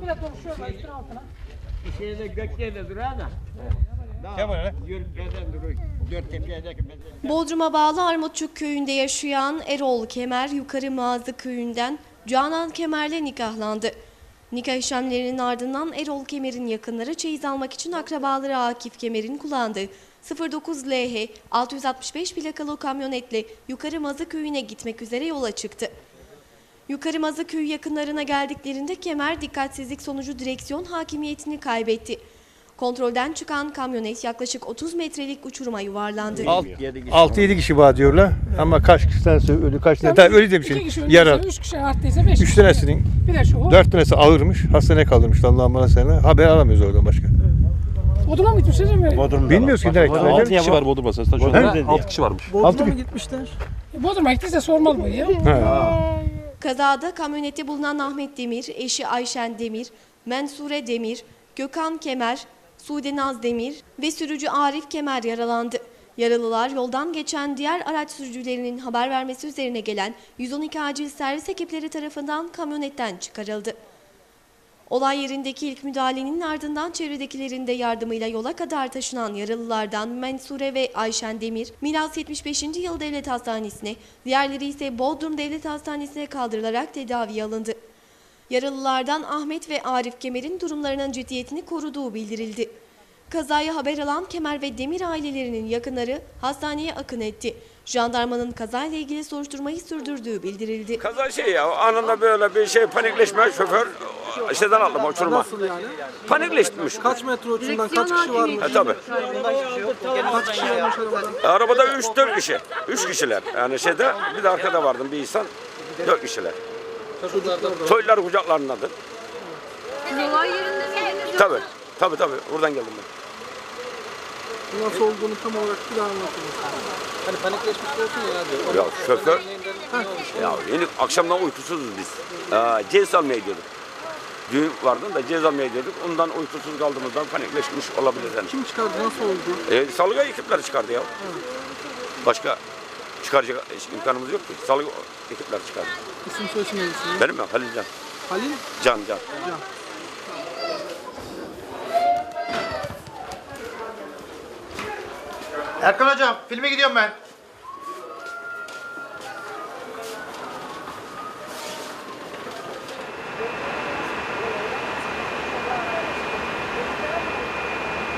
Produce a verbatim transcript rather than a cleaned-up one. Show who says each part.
Speaker 1: Böyle konuşuyorlar üstüne altına.
Speaker 2: Bir şeyde gökyerde duruyor da.
Speaker 3: Kemal
Speaker 2: Yürütmeden duruyor. Dört tepedeki
Speaker 4: Bodrum'a bağlı Armutçuk köyünde yaşayan Erol Kemer, Yukarı Mağazı köyünden Canan Kemer'le nikahlandı. Nikah işlemlerinin ardından Erol Kemer'in yakınları çeyiz almak için akrabaları Akif Kemer'in kullandığı sıfır dokuz L H altı yüz altmış beş plakalı kamyonetle Yukarı Mazı köyüne gitmek üzere yola çıktı. Yukarı Mazı köyü yakınlarına geldiklerinde Kemer dikkatsizlik sonucu direksiyon hakimiyetini kaybetti. Kontrolden çıkan kamyonet yaklaşık otuz metrelik uçuruma yuvarlandı.
Speaker 3: altı yedi kişi var diyorlar ama kaç kişi tanesi ölü, kaç tane
Speaker 1: Yani
Speaker 3: öyle de bir
Speaker 1: iki
Speaker 3: şey.
Speaker 1: kişi
Speaker 3: Yaralı.
Speaker 1: ölürse, üç kişi arttıysa beş
Speaker 3: Üç
Speaker 1: kişi.
Speaker 3: tanesinin,
Speaker 1: Bir de şu.
Speaker 3: dört tanesi ağırmış, hastaneye kaldırmış Allah'ım bana sana. Haber alamıyoruz oradan başka.
Speaker 1: Bodrum'a mı gitmişler mi?
Speaker 5: Bodrum'da
Speaker 3: Bilmiyoruz ki direkt.
Speaker 5: altı kişi var Bodrum'da. Sen şu anda altı kişi varmış.
Speaker 3: Altı mı?
Speaker 1: Bodrum'a gittiyse sormalı bu ya.
Speaker 4: Kazada kamyonette bulunan Ahmet Demir, eşi Ayşen Demir, Mensure Demir, Gökhan Kemer, Sude Naz Demir ve sürücü Arif Kemer yaralandı. Yaralılar yoldan geçen diğer araç sürücülerinin haber vermesi üzerine gelen yüz on iki acil servis ekipleri tarafından kamyonetten çıkarıldı. Olay yerindeki ilk müdahalenin ardından çevredekilerin de yardımıyla yola kadar taşınan yaralılardan Mensure ve Ayşen Demir, Milas yetmiş beşinci Yıl Devlet Hastanesi'ne, diğerleri ise Bodrum Devlet Hastanesi'ne kaldırılarak tedaviye alındı. Yaralılardan Ahmet ve Arif Kemer'in durumlarının ciddiyetini koruduğu bildirildi. Kazayı haber alan Kemer ve Demir ailelerinin yakınları hastaneye akın etti. Jandarmanın kazayla ilgili soruşturmayı sürdürdüğü bildirildi.
Speaker 6: Kaza şey ya, anında böyle bir şey panikleşme, şoför şeyden aldım uçurma.
Speaker 7: Nasıl yani?
Speaker 6: Panikleşmiş.
Speaker 7: Kaç metre uçundan kaç kişi varmış?
Speaker 6: E tabi.
Speaker 7: Kaç kişi varmış arabada?
Speaker 6: Arabada üç dört kişi. Üç kişiler. Yani şeyde bir de arkada vardım bir insan. Dört kişiler. Soylular kucaklarındadır.
Speaker 8: Olay yerinde miydiniz?
Speaker 6: Tabi. Tabi tabi. Oradan geldim ben.
Speaker 7: Nasıl olduğunu tam olarak bir daha anlatın. Hani panikleşmiş olsun ya diyor.
Speaker 6: Ya şoför. Ya yeni akşamdan uykusuzuz biz. Ee, cez almaya gidiyorduk. Düğün vardı da cez almaya gidiyorduk. Ondan uykusuz kaldığımızdan panikleşmiş olabilir yani.
Speaker 7: Kim çıkardı? Nasıl oldu?
Speaker 6: E, salgı ekipleri çıkardı ya. Başka çıkaracak imkanımız yok ki. Salgı ekipler çıkardı.
Speaker 7: İsim soyisim neydi?
Speaker 6: Benim mi? Halil Can.
Speaker 7: Halil
Speaker 6: Can Can.
Speaker 7: Can.
Speaker 5: Erkan hocam filme gidiyorum ben.